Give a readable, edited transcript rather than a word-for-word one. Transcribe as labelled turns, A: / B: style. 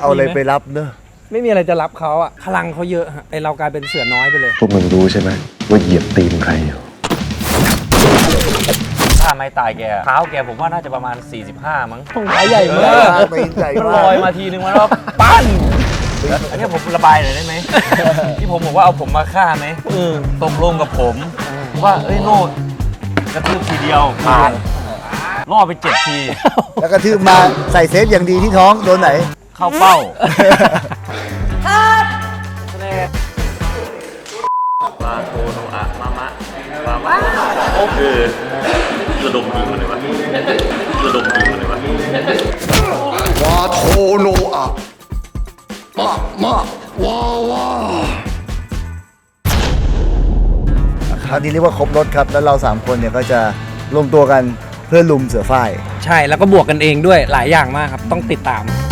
A: เอาอะไรไปรับเนอะ
B: ไม่มีอะไรจะรับเขาอ่ะพลังเขาเยอะฮะไอเรากลายเป็นเสือน้อยไปเลย
C: พวกมึงรู้ใช่ไหมว่าเหยียบตีนใครอยู่
D: ถ้าไม่ตายแกเท้าแกผมว่าน่าจะประมาณ 45 มั้ง
B: ตรงขาใหญ่มาก
A: ตีนใหญ่
D: มัน
A: มา
D: ลอย
A: ก
D: มาทีนึงมันว่าปั้นแล้วอันนี้ผมระบายหน่อยได้ไหม ที่ผมบอกว่าเอาผมมาฆ่าไหมตกลงกับผมว่าเอ้ยโน่กระทืบทีเดียวผ่านล่อไป7 ที
A: แล้วก็ทืบมาใส่เซฟอย่างดีที่ท้องโดนไหน
D: เข้าเป้าปลาโทโนอะมามะมามะโอ้คือระดมยิงมันเลยวะระดมยิงมันเลยวะ
E: วาโทโนอะมาว้าวา
A: คราวนี้เรียกว่าครบรถครับ แล้วเรา3คนเนี่ยก็จะรวมตัวกันเพื่อลุมเสือฝ้าย
B: ใช่แล้วก็บวกกันเองด้วยหลายอย่างมากครับต้องติดตาม